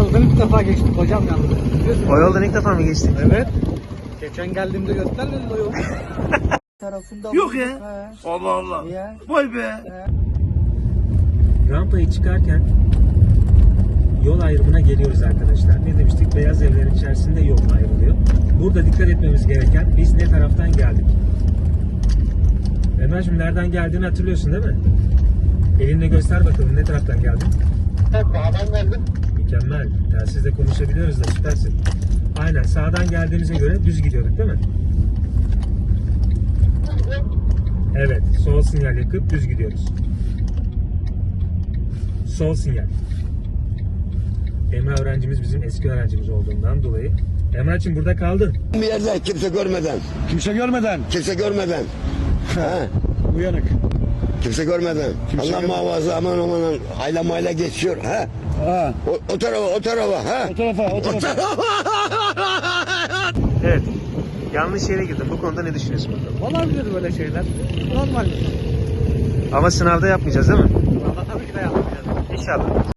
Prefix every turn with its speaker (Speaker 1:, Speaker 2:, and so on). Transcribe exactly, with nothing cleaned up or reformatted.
Speaker 1: yoldan ilk defa geçtik hocam yalnız. Biliyorsun.
Speaker 2: O yoldan ilk defa mı geçtin?
Speaker 1: Evet. Geçen geldiğimde göstermedin o yolu. Tarafında
Speaker 3: Yok ya.
Speaker 1: He.
Speaker 3: Allah Allah.
Speaker 1: Ya.
Speaker 3: Vay be.
Speaker 2: Rampayı çıkarken yol ayrımına geliyoruz arkadaşlar. Ne demiştik? Beyaz evlerin içerisinde yol ayrılıyor. Burada dikkat etmemiz gereken biz ne taraftan geldik? Emrah'cığım nereden geldiğini hatırlıyorsun değil mi? Elinle göster bakalım ne taraftan geldin?
Speaker 1: Sağdan geldim.
Speaker 2: Mükemmel. Telsizle konuşabiliyoruz da süpersin. Aynen sağdan geldiğimize göre düz gidiyorduk değil mi? Evet. Sol sinyal yakıp düz gidiyoruz. Sol sinyal. Emrah öğrencimiz bizim eski öğrencimiz olduğundan dolayı. Emrah'cığım burada kaldın.
Speaker 4: Bir yerde kimse görmeden,
Speaker 3: Kimse görmeden.
Speaker 4: kimse görmeden. ha,
Speaker 3: Uyanık.
Speaker 4: kimse görmeden.
Speaker 3: Kimse
Speaker 4: Allah
Speaker 3: görmeden.
Speaker 4: muhafaza aman aman hayla mayla geçiyor. Ha?
Speaker 3: Ha.
Speaker 4: O, o tarafa o tarafa ha.
Speaker 3: O tarafa o tarafa.
Speaker 2: Evet. Yanlış yere girdim. Bu konuda ne düşünüyorsun bakalım?
Speaker 1: Olabilir böyle şeyler. Normal.
Speaker 2: Ama sınavda yapmayacağız değil mi?
Speaker 1: Valla tabii ki de yapmayacağız.
Speaker 2: İnşallah.